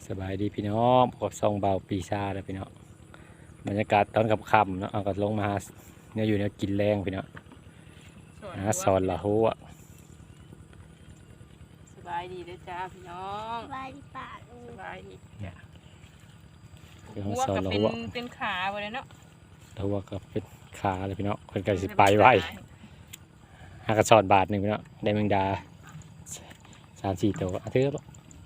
สบายดีพี่น้องพบซองเบาปีชาแล้วพี่น้องบรรยากาศตอนค่ำๆเนาะเอาก็ลงมาเนี่ยอยู่เนี่ยกินแรงพี่น้องสอนละหัวสบายดีเด้อจ้าพี่น้องสบายดีป่าลุงสบายดีคือหัวสอนก็ละเป็นหัวเป็นขาไปเลยเนาะละหัวก็เป็นขาเลยพี่น้องคนก็สิไปไว้หากระสอนบาทหนึ่งพี่น้องได้แมงดา3-4 ตัวถือบ่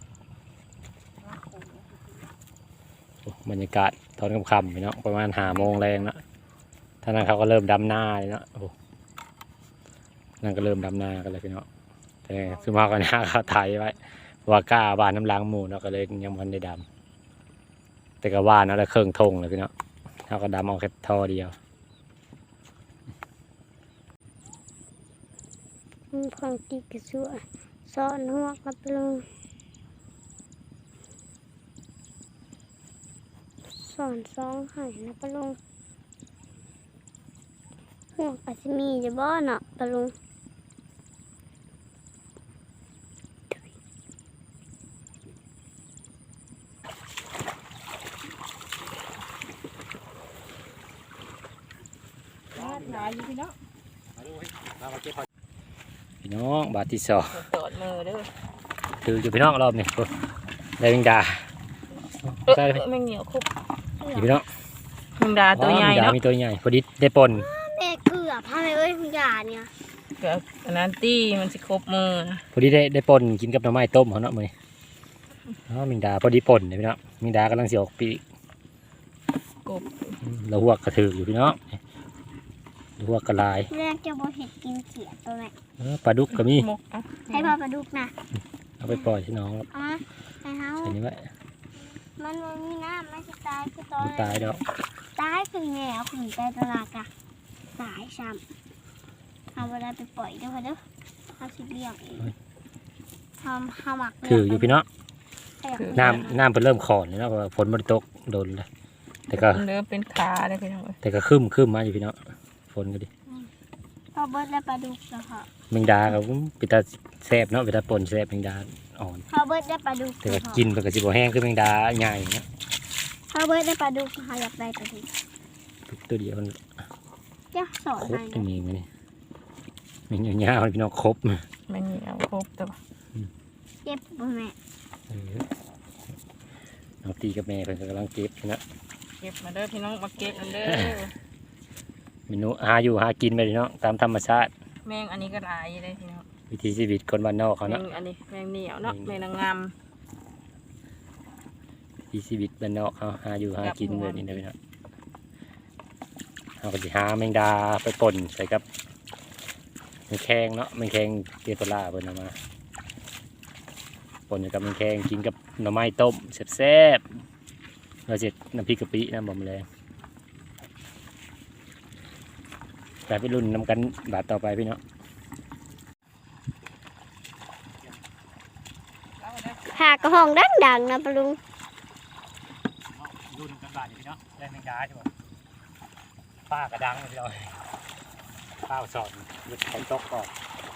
บรรยากาศตอนค่ำๆพี่น้องประมาณ5 โมงแรงเนาะท่านั้นเขาก็เริ่มดำหน้าเลยเนาะโอ้นั่นก็เริ่มดำหน้ากันเลยพี่น้องแต่คือมากันหน้าเขาไทยไว้ว่ากล้าบานน้ำล้างหมูเนาะก็เลยยังมันได้ดำแต่ก็ว่านเนาะแล้วเครื่องทงเลยพี่น้องเขาก็ดำเอาแค่ท่อเดียวของตีกระสวยสอนหัวกับลุงสอนสองไห่นะปะลุงหัวปัสมีจะบ่เนาะปะลุงหลายอยู่พี่น้องพี่น้องบาทที่สองตอดมือเด้อคืออยู่พี่น้องรอบนี้ได้แมงดาใช่ไหมแมงเหนียวคุบอยู่พี่น้องแมงดาตัวใหญ่แมงดาเนาะมีตัวใหญ่พอดีได้ปนแม่เกลือพาไปเอ้ยคุณยาเนี่ยเกือบอันนั้นตี้มันสิครบมือนะพอดีได้ปนกินกับหน่อไม้ต้มเขาเนาะมื้อนี้แมงดาพอดีปนเลยพี่น้องแมงดากำลังสิออกปีกกบเราหัวกระถืออยู่พี่น้องเราหัวกระลายแรกจะบ่เห็ดกินเขียดตัวไหนปลาดุกก็มีหมกอ่ะให้พ่อปลาดุกนะเอาไปปล่อยที่น้องครับเอามาให้เฮาใส่นี้ไว้มันบ่มีน้ำมันจะตายคือตอมัน นตายดอกตายคือแง่ขืนใจตลาดกะตายซ้ำเอาเวลาไปปล่อยเด้อค่ะเด้อเขาสิเลี้ยงเองทำหมักถืออยู่พี่น้องคือน้ำเป็นเริ่มขอนเลยเนาะเพราะว่าฝนมันตกโดนเลยแต่ก็เด้อเป็นขาเลยพี่น้องเอ้ยแต่ก็คึมมาอยู่พี่น้องฝนก็ดีพอเบิดแล้วปลาดุกแล้วค่ะแมงดาก็เป็นตาแซ่บเนาะเป็นตาปนแซ่บแมงดาอ่อนพอเบิดได้ปลาดุกแต่ก็กินมันก็สิบ่แห้งคือแมงดาใหญ่เนาะพอเบิดได้ปลาดุกค่ะอยากได้ปลาดุกตัวเดียวมันเดี๋ยวสอนครบให้ตรงนะนี้มันมันยาวๆพี่น้องครบแมงเหนียวครบตัวเจ็บบ่แม่น้องตีกับแม่เพิ่นก็กำลังเก็บนะเก็บมาเด้อพี่น้องมาเก็บมันเด้อเมนูหาอยู่หากินไปพี่น้องตามธรรมชาติแมงอันนี้ก็หลายเลยพี่น้องวิถีชีวิตคนบ้านนอกเขาแมเนาะงอันนี้แมงเหนียวเนาะแมงนางงามวิถีชีวิตบ้านนอกเขาหาอยู่หากินแบบนี้นะพี่น้องเขาก็สิหาแมงดาไปป่นใส่กับแมงแคงเนาะแมงแคงเกสราเพิ่นเอามาป่นกับแมงแคงกินกับหน่อไม้ต้มแซ่บๆเราเสร็จน้ำพริกกะปิน้ำบอมแรงแต่ไปรุ่นนำกันบาทต่อไปพี่น้องหากระห้องดังๆนะปะลุงรุ่นกันบาทพี่น้องได้แมงดาใช่ป่ะป้ากระดังพี่น้องป้าสอนหยุดฝนตกก่อน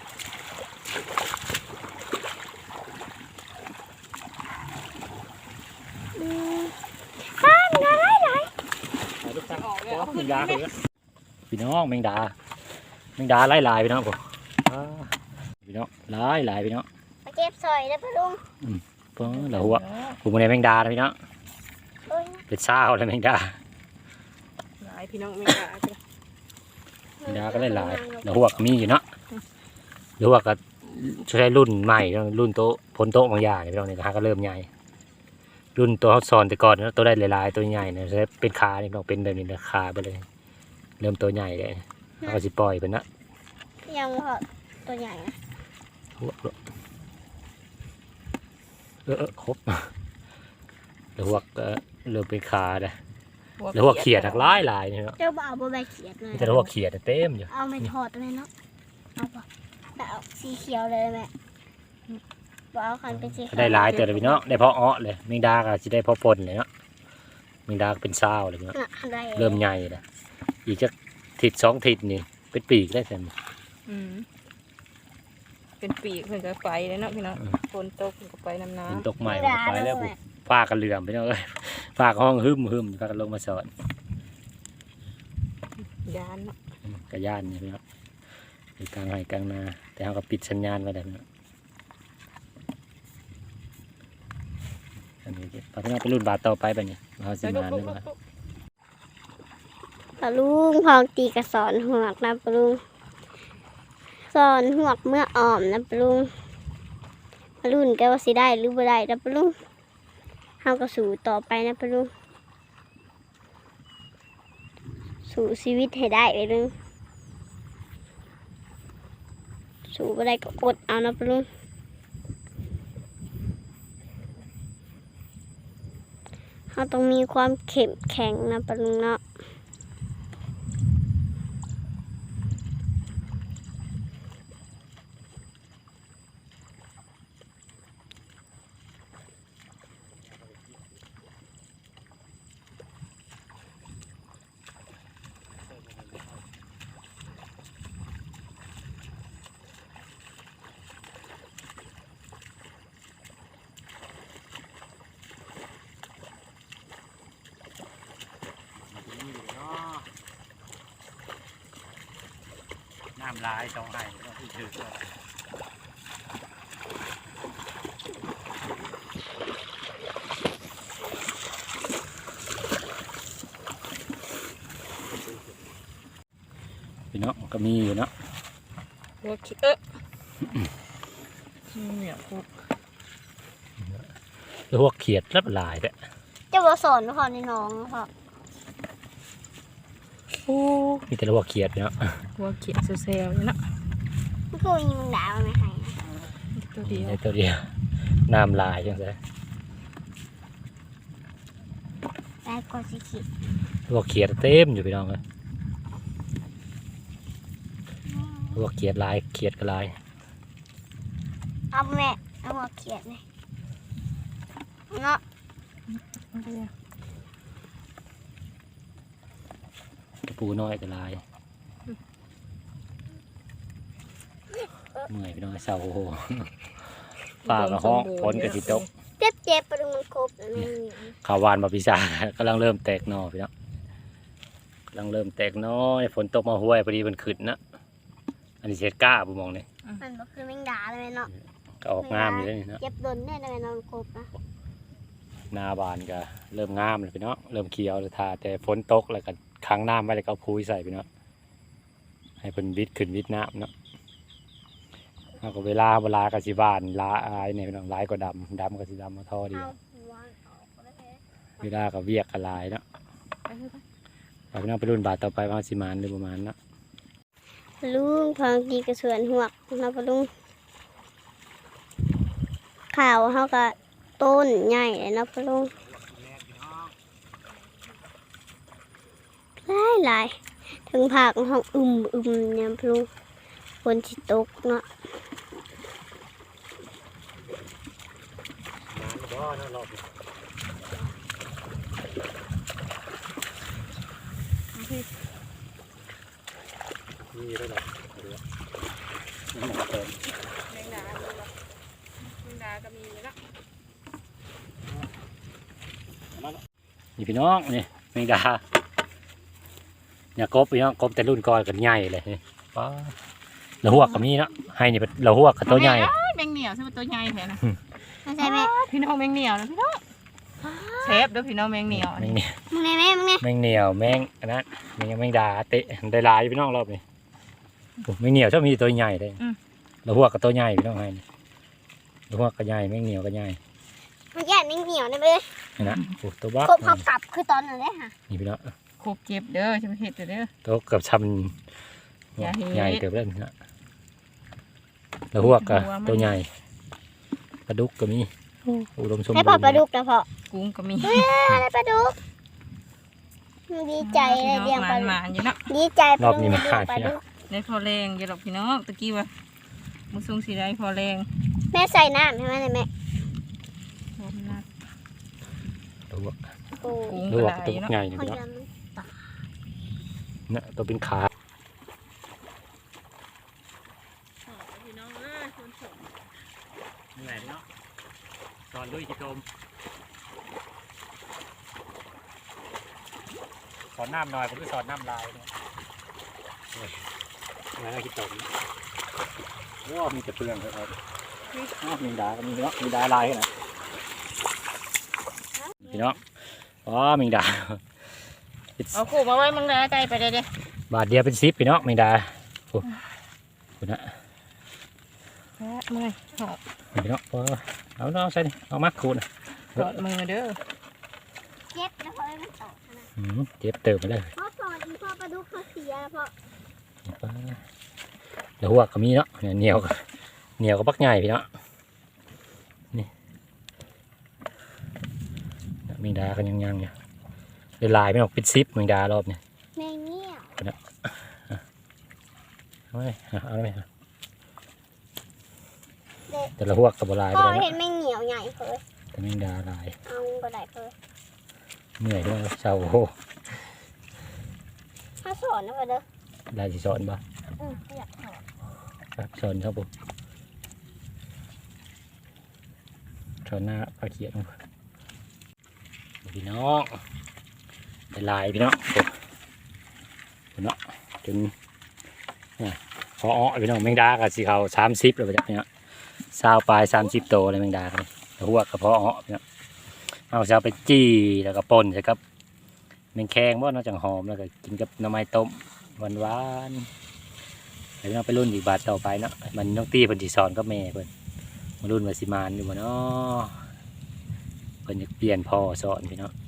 ป้ามันอะไรไหนลูกตาแมงดาเลยพี่น้องแมงดาหลายๆพี่น้องผมพี่น้องหลายพี่น้องมาเก็บสอยนะปะลุงเพิ่งเหลือหัวผมในแมงดานะพี่น้องโอ้ยเป็นซ่าเลยแมงดาหลายพี่น้องแมงดาแมงดาก็หลายเหลือหัวก็มีอยู่เนาะเหลือหัวก็ใช้รุ่นใหม่รุ่นโตพ้นโตบางอย่างพี่น้องเนี่ยก็เริ่มใหญ่รุ่นตัวเขาสอนแต่ก่อนนะตัวได้หลายๆตัวใหญ่เนี่ยใช้เป็นขาเนี่ยต้องเป็นแบบนี้นะขาไปเลย เริ่มตัวใหญ่เลยเขาก็สิปล่อยเป็นนะยังพอตัวใหญ่นะครบแล้วหัวก็เริ่มเป็นขาเลยแล้วหัวเขียดหลายเนี่ยเนาะเจ้าบ่าวบ่ใบเขียดเลยแต่หัวเขียดเต็มอยู่เอาไม่ถอดเลยเนาะเอาป่ะแต่เอาสีเขียวเลยแม่บ่เอาคันเป็นสีเขียวได้หลายตัวเลยพี่น้องได้พออ้อเลยแมงดาก็จะได้พอปนเลยเนาะแมงดาก็เป็นเศร้าเลยพี่น้องน่ะได้เริ่มใหญ่เลยอีกจะทิศ2 ทิศนี่เป็นปีกได้แซมอืมเป็นปีกเพิ่นก็ไปเลยเนาะพี่น้องฝนตกเพิ่นก็ไปน้ำเป็นน้ำตกใหม่มันก็ไปแล้วบุฟ้ากันเหลื่อมพี่น้องเอ้ยฟ้าก็ห้องหึมฟ้ากันลงมาสอนยานเนาะกระย่านนี่พี่น้องอยู่กลางไร่กลางนาแต่เขาก็ปิดสัญญาณไว้แล้วพี่น้องอันนี้พอพี่น้องไปรุ่นบาทต่อไปแบบนี้เขาสิมาเลยว่าปลาลุงพองตีกระสอนหวกนะปลาลุงสอนหวกเมื่ออ่อมนะปลาลุงปลาลุงแกว่าสิได้หรือบ่ได้นะปลาลุงเฮาก็สู้ต่อไปนะปลาลุงสู้ชีวิตให้ได้ปลาลุงสู้บ่ได้ก็อดเอานะปลาลุงเฮาต้องมีความเข้มแข็งนะปลาลุงเนาะน้ำลายต้องให้ต้องถือพี่น้องก็มีอยู่เนาะหัวขี้เนี่ยพวกแล้วพวกเขียดรับลายด้วยจะบ่สอนพ่อในน้องพ่อมีแต่ละพวกเขียดเนาะหัวเขียดเซลล์เนาะมันคือยิงดาวไหมคะตัวเดียวในตัวเดียวน้ำลายจังไงแต่ก็สิคิดพวกเขียดเต็มอยู่พี่น้องเลยพวกเขียดลายเขียดก็ลายเอาแม่เอาหัวเขียดเลยเนาะกระปูน้อยก็ลายเมื่อยพี่น้องเศร้าโอ้โหป่ากระห้องฝนกระติตกเจ็บปะลุงมันครบแล้วนี่ข้าวหวานมาพิซซ่ากำลังเริ่มแตกหน่อพี่น้องกำลังเริ่มแตกหน้อยฝนตกมาห้วยพอดีมันขึ้นนะอันนี้เศษก้าบุมองนี่มันก็คือแมงดาเลยเนาะก็ออกงามอยู่แล้วนี่นะเจ็บโดนแน่เลยนอนครบนะหนาบานก็เริ่มงามเลยพี่น้องเริ่มเขียวเลยทาแต่ฝนตกแล้วก็ค้างน้ำไว้แล้วก็เอาพุ้ยใส่พี่น้องให้เป็นวิดขึ้นวิดน้ำเนาะเอาก็เวลากสิบานลายเนี่ยพี่น้องลายก็ดำก็สิดำมาท่อเดียววางออกก็ได้เวลาก็เวียกกับลายเนาะเอาพี่น้องไปรุ่นบาทต่อไปว่าสิมานหรือประมาณเนาะลุงพองกีกระสวนหวกนะปะลุงข่าวเขาก็ต้นใหญ่เลยนะปะลุงหลายถึงผักห้องเนี่ยปะลุงฝนสิตกเนาะนี่ด้วยหรอแมงดาแมงดาก็มีเนาะนี่พี่น้องนี่แมงดาเนี่ยกบพี่น้องกบแต่รุ่นก่อนกันใหญ่เลยนี่ป้าละหวกกับนี้เนาะให้นี่เป็นละหวกกับตัวใหญ่แมงเหนียวใช่ไหมตัวใหญ่แท้นะไม่ใช่ไหมพี่น้องแมงเหนียวนะพี่น้องเชฟเด้อพี่น้องแมงเหนียวแมงเหนียวมึงไงแม่มึงไงแมงเหนียวแมงอันนั้นแมงดาเตะได้หลายพี่น้องรอบนี้โอ้แมงเหนียวชอบมีตัวใหญ่เลยละหวกกับตัวใหญ่พี่น้องให้นี่ละหวกกับใหญ่แมงเหนียวกับใหญ่มันแย่นิ่งเหนียวนะเบ้นี่นะโอ้ตัวบ้าครบเขากลับคือตอนนั้นเลยค่ะนี่พี่น้องโคกเก็บเด้อใช่ไหมเห็ดเด้อตัวเกือบชอย่าเฮ็ดำใหญ่เกือบเล่นนะละหวกกับตัวใหญ่ปลาดุกก็มีอุดมสมบูรให้ณ์พอปลาดุกนะพอกุ้งก็มีอะไรปลาดุกดีใจเลยเลี้ยงปลาดุมาก อยู่เนาะดีใจปลาดุกเลี้ยงปลาดุกได้พอแรงอย่าหรอกพี่น้องตะกี้ว่ามุสุงสีได้พอแรงแม่ใส่น้ำใช่ไหมแม่ละหวกโอ้กุ้งละหวก็กได้ตัวเนาะใหญ่นี่คนพี่น้องเดียวเนี่ยตัวเป็นขาพี่น้องเอ้ยคนสมเหนื่อยเนาะตอนด้วยจิตมอนน้ำหน่อยผมก็สอนน้ำลายเนี่ยงั้นเราคิดตรงว้ามีแต่เปลืองครับมีดาก็มีเนาะมีดาลายนะพี่น้องอ๋อมีดาเอาขู่มาไว้มึงนะใจไปเลยดิบาทเดียวเป็น10พี่น้องมีดาโอ้คุณนะมึงไงพี่น้องเอาน้องใส่ดิเอามาคูณกดมือเด้อเจ็บนะเพราะมันตอกนะเจ็บเติมไปเลยเพราะสอนพ่อปลาดุกเขาเสียเพราะเดี๋ยวหัวก็มีเนาะเหนียวก็ปักใหญ่พี่เนาะนี่มีดากันยังอยู่เดี๋ยวลายไม่ออกปิดซิปมีดารอบเนี่ยแมงเงี้ยวเอาไหมเอาไหมแต่ละหัวกับลายไปพ่อเลยเห็นนะแมงเหนียวใหญ่เพิ่นแต่แมงดาลายเอาก็ได้เพิ่นเหนื่อยด้วยเศร้าโอ้โหถ้าสอนนะเพิ่นเด้อลายสีสอนบ่อยากสอนครับสอนครับผมสอนหน้าปลาเขียดพี่น้องเป็นลายพี่น้องพี่น้องจนพอพี่น้องแมงดากับสีขาว30เลยพี่น้อง20 ปลาย30 โตเลยแมงดาเลยหัวกับพอพี่น้องเอาจะไปจี้แล้วก็ป่นใช่ครับแมงแคงบ่นอกจากหอมแล้วก็กินกับหน่อไม้ต้มหวานๆแล้วเราไปรุ่นอีกบาทต่อไปเนาะมันน้องตีเพิ่นสิสอนกับแม่เพิ่นมารุ่นว่าสิมานอยู่บ่เนาะเพิ่นจะเปลี่ยนพ่อสอนพี่เนาะ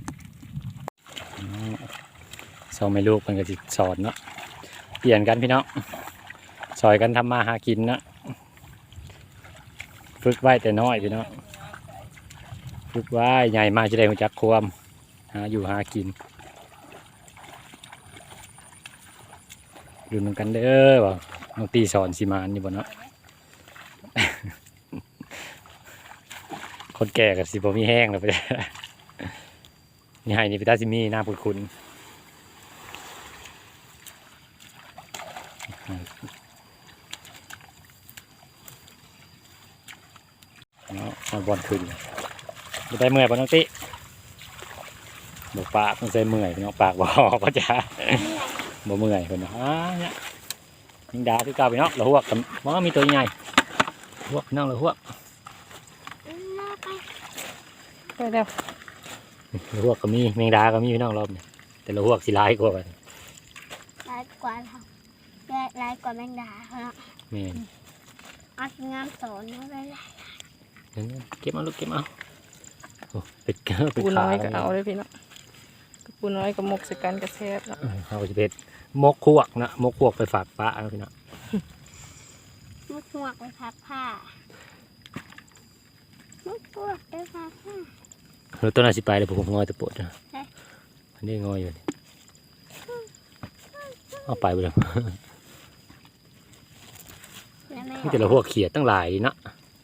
สอนไม่ลูกเพิ่นก็สิสอนเนาะเปลี่ยนกันพี่เนาะสอยกันทำมาหากินเนาะฝึกไว้แต่น้อยพี่เนาะฝึกไว้ใหญ่มาจะได้รู้จักความหาอยู่หากินดูนำกันเด้อว่าน้องตีสอนสิมานอยู่บ่เนาะ คนแก่กับสิบ่มีแห้งแล้วไปนี่ให้นี่พี่ตาสิมีหน้าคุ้นเนาะเอาบอลขึ้นจะได้เมื่อยป่ะน้องติบอกปากมันใส่เมื่อยพี่น้องปากบอกก็จะบ่เมื่อยคนเนาะเนี่ยยิงดาที่เก่าพี่น้องเราหัวกับมันมีตัวใหญ่หัวพี่น้องเราหัวไปเร็วเราหัวก็มีแมงดาก็มีพี่น้องรอบเนี่ยแต่เราหัวสิร้ายกว่ากันร้ายกว่าเขาร้ายกว่าแมงดาเขาเนาะแม่นเอางานสอนเอาเลยล่ะเก็บเอาลูกเก็บเอาโอ้เป็ดเกลือเป็ดปูขาน้อยก็เอาเลยพี่เนาะปูน้อยก็หมกใส่กันกระแทบเนาะเอาจะเป็ดมกควกนะมกควกไปฝากป้าเอาพี่น้องมุกหวกไปพับผ้ามุกหวกไปพับผ้าเราต้นอาสิไปเลยผมงอยตะปวดนะอันนี้งอยอยู่เอาไปเลยแล้วแม่นี่แต่ละหัวเขียดตั้งหลายดีเนาะ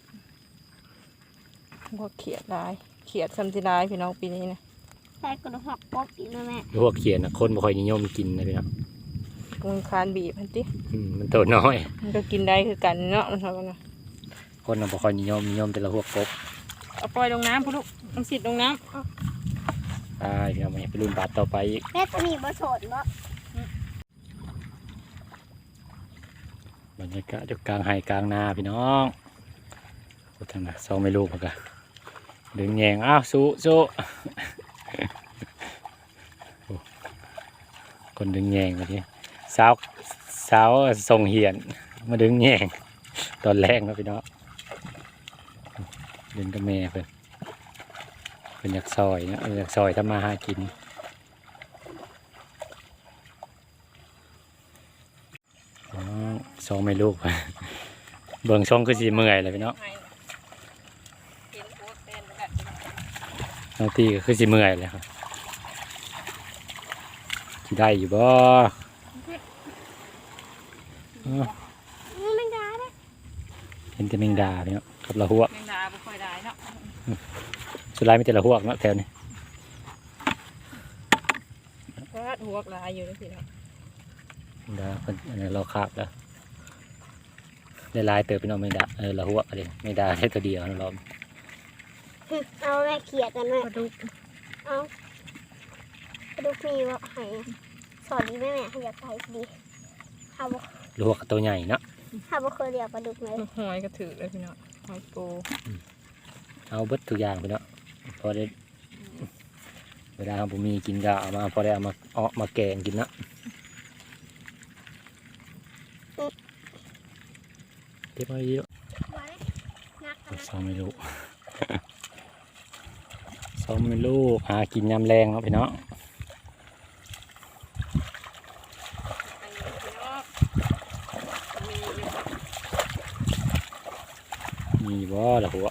พวกเขียดลายเขียดซัมซิลายพี่น้องปีนี้นะใส่กระหอกกบอีกนะแม่หัวเขียดนะคนบ่ค่อยนิยมกินนะพี่น้องมึงคานบีบพันติมันตัวน้อยมันก็กินได้คือกันเนาะมันเท่ากันนะคนน่ะบ่ค่อยนิยมแต่ละหัวกบเอาปล่อยลงน้ำพุ่นลูกต้องสิดลงน้ตายพี่น้องไปรุ่นบาทต่อไปอีกแม่ตัวนี้บ่โสดบ่บรรยากาศอยู่กลางไห่กลางนาพี่น้องโอ้ทางน่ะซองไม่ลูกเหมือนกันดึงแยงอ้าวสู้โอ้คนดึงแยงแบบนี้สาวส่งเหียนมาดึงแยงตอนแรกนะพี่น้องดึงกับแม่เพิ่นอยากซอยเนาะอยากซอยทำมาหากินซองไม่ลูก เบิ่งช่องคือสีเมื่อยเลยพี่น้องำกินพวกเต้นกันน้องตีก็คือสีเมื่อยเลยครับสิได้อยู่บ่อ้าวแมงดาเด้อเห็นแต่แมงดาพี่น้องกับละหัวแมงดาบ่ค่อยได้เนาะสุดท้ายมีแต่ละหัวเนาะแถวนี้ก็หัวลายอยู่นี่พี่น้องแมงดาเพิ่นอันนี้เราคาบแล้วได้ลายเติบพี่น้องแมงดาละหัวอะไรแมงดาแค่ตัวเดียวนะรอบเอาแม่เขียดกันแม่ปลาดุกเอาไปลาดุกมีว่าให้สอนดีไหมแม่ให้อยากไปดีเขาบอกลวกตัวใหญ่เนาะเขาบอกเคยเรียกปลาดุกเลยหอยกระถือเลยพี่น้องหอยปูเอาเบิดทุกอย่างไปเนาะพอได้เวลาผมมีกินก็เอามาพอได้เอามาแกงกินเนาะเก็บไว้ดีแล้วนักกันนะซ้อมไม่ลูก ซ้อมไม่ลูกหากินยำแรงเนาะพี่เนาะอันนี้พี่น้องมีอยู่มีบ่ละหัว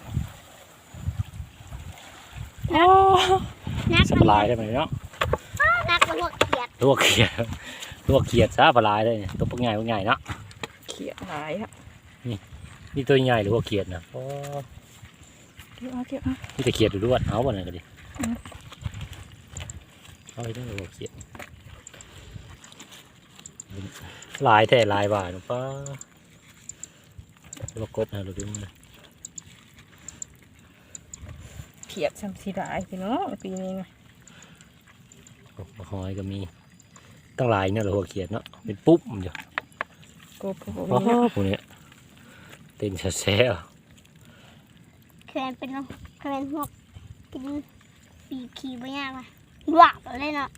นักสปลายได้ไหมเนาะนักมันพวกเขียดลวกเขียดลวกเขียดซะปลายได้เนี่ยตัวพวกใหญ่พวกใหญ่เนาะเขียดหายครับนี่ตัวใหญ่หรือว่าเขียดนะโอ้เก็บเอานี่แต่เขียดหรือด้วนเอาบ่นั่นก็ดิเอาไปได้ว่าเขียดลายแท้ลายบาทนะป้าลวกกบนะลูกดูนะเขียดซ้ำสีดายพี่น้องปีนี้นะกบหอยก็มีตั้งหลายเนี่ยหรือว่าเขียดเนาะเป็นปุ๊บอยู่กบโอ้มีโหนะพวกเนี้ยเต้นแซ่เคยเป็นเคยเป็นพวกกินปีกขี่ไม่ยากเลยหวาบเลยเนาะ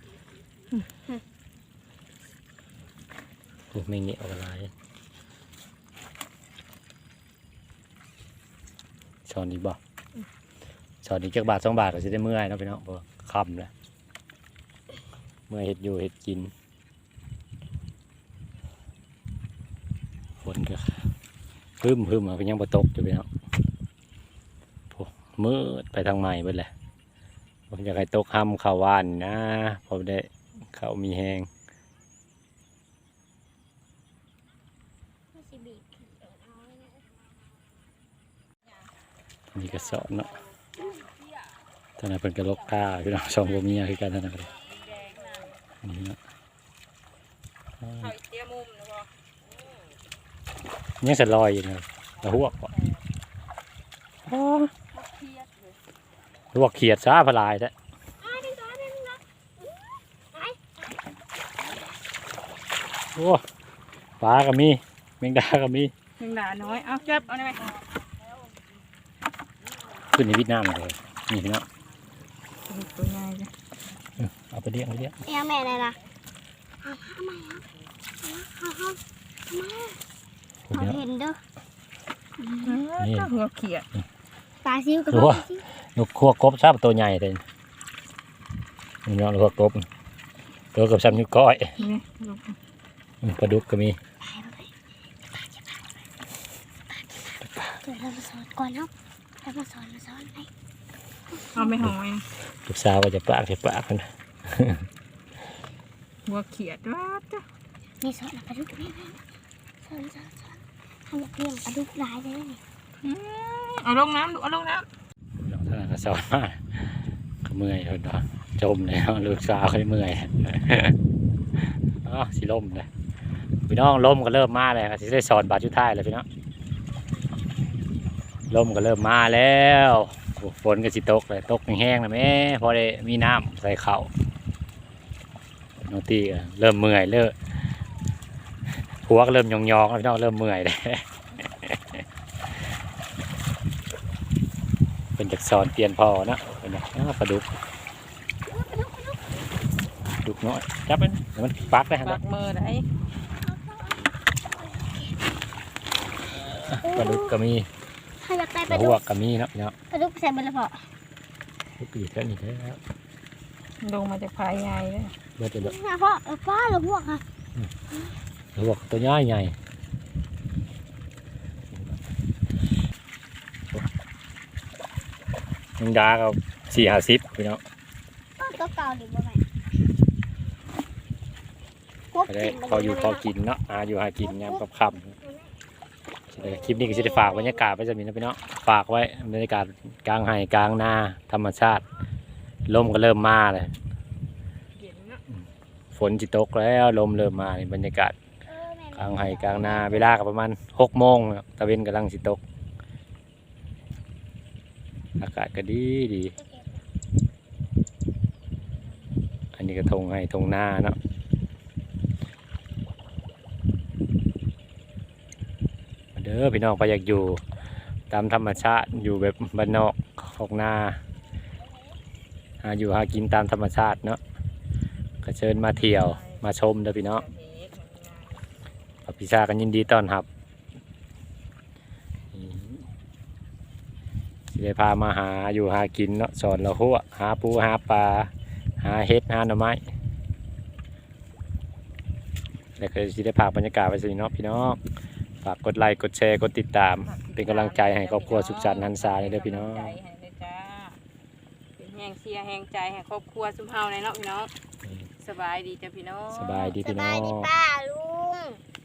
ๆพวกไม่เงี้ยเอาลายช้อนนี้บ่ช้อนนี้จักบาท2 บาทก็จะได้เมื่อยเนาะพี่น้องเพราะว่าค่ำแล้วเมื่อยเห็ดอยู่เห็ดกินฝนก็พึ่มเอาไปยังบ่ตกอยู่พี่น้องโอ้มืดไปทางใหม่เบิดแหละผมอยากให้ตกห้ำข้าวหวานนะพอได้ข้าวมีแห้งนี่ก็สอนเนาะท่านนายเป็นกระโหลกกาพี่น้องสองผัวเมียคือกันท่านนายนี่เนาะหอยเตี้ยมุมนะพ่อยังสลอยอยู่นะตะหัวกบ่เขียดเลยลวกเขียดซาพลายแท้โอ้ปลาก็มีแมงดาก็มีแมงดาน้อยเอาเก็บเอาได้ไหมขึ้นในเวียดนามเลยนี่พี่น้องตัวใหญ่จ้ะเอาไปเลี้ยงแม่เลยนะเอามาผมพี่น้องเห็นเด้อนี่หัวเขียดปลาซิวกับดูว่านกคั่วกบซาตัวใหญ่เลยนี่เนาะคั่วกบตัวกับซ้ำนิ้วก้อยนี่ปลาดุกก็มีเดี๋ยวเรามาสอนก่อนเนาะเรามาสอนไปเอาไม่หอยลูกสาวว่าจะปากกันหัวเขียดว่าจ้ะมีสอนปลาดุกแม่สอนทำแบบเลี้ยงปลาดุกหลายเลยนี่เอาลงน้ำดูเอาลงน้น้องท่านก็สอนมาก็เมื่อยคนเนาะจมเลยเนาะลูกสาวเขาเมื่อย อ๋อสิล่มเลยพี่น้องล่มก็เริ่มมาเลยสิได้สอนบาทชุดท้ายเลยพี่น้องล่มก็เริ่มมาแล้วโอ้ฝนก็สิตกเลยตกแห้งๆนะแม่พอได้มีน้ำใส่เข่าน้องตีก็เริ่มเมื่อยเริ่มหัวก็เริ่มยองๆแล้วพี่น้องเริ่มเมื่อยเลย เป็นจากสอนเปลี่ยนพอนะเป็นไงปลาดุกดุกน้อยจับมันเดี๋ยวมันปักได้ำฮะปากมือได้ปลาดุกก็มีถ้าอยากได้ปปลาลาดุหัวกก็มีเนาะเนาะปลาดุกใส่บนละพอลูกอีกแล้วนี่แล้วลงมาจากภายใหญ่เลยเมื่อจะเดือดนะพ่อป้าหรือพวกค่ะหัวตัวใหญ่ใหญ่มึงดาก็40-50พี่น้องตัวเก่าดิบ่ไหมก็ได้พออยู่พอกินเนาะอยู่หากินยามกับค่ำคลิปนี้ก็จะได้ฝากบรรยากาศไว้จะมีนะพี่น้องฝากไว้บรรยากาศกลางไห่กลางนาธรรมชาติลมก็เริ่มมาเลยเย็นนะฝนจิตกแล้วลมเริ่มมานี่บรรยากาศกลางไห่กลางนาเวลาก็ประมาณ6 โมงแล้วตะเวนกำลังสิตกอากาศก็ดีอันนี้นี่ก็ทงให้ทงหน้าเนาะมาเด้อพี่น้องไปอยากอยู่ตามธรรมชาติอยู่แบบบ้านนอกของนาหาอยู่หากินตามธรรมชาติเนาะก็เชิญมาเที่ยวมาชมเด้อพี่น้องพี่ชากันยินดีต้อนรับสิได้พามาหาอยู่หากินเนาะสอนเราหัวหาปูหาปลาหาเห็ดหาหน่อไม้แล้วก็สิได้พาบรรยากาศไปสิเนาะพี่น้องฝากกดไลค์กดแชร์กดติดตามเป็นกำลังใจให้ครอบครัวสุขสันต์หันษาเด้อพี่น้องเป็นแหงเชียร์แหงใจให้ครอบครัวซุมเฮาในเนาะพี่น้องสบายดีจ้ะพี่น้องสบายดีสพี่น้บาอยดีงป้าลุง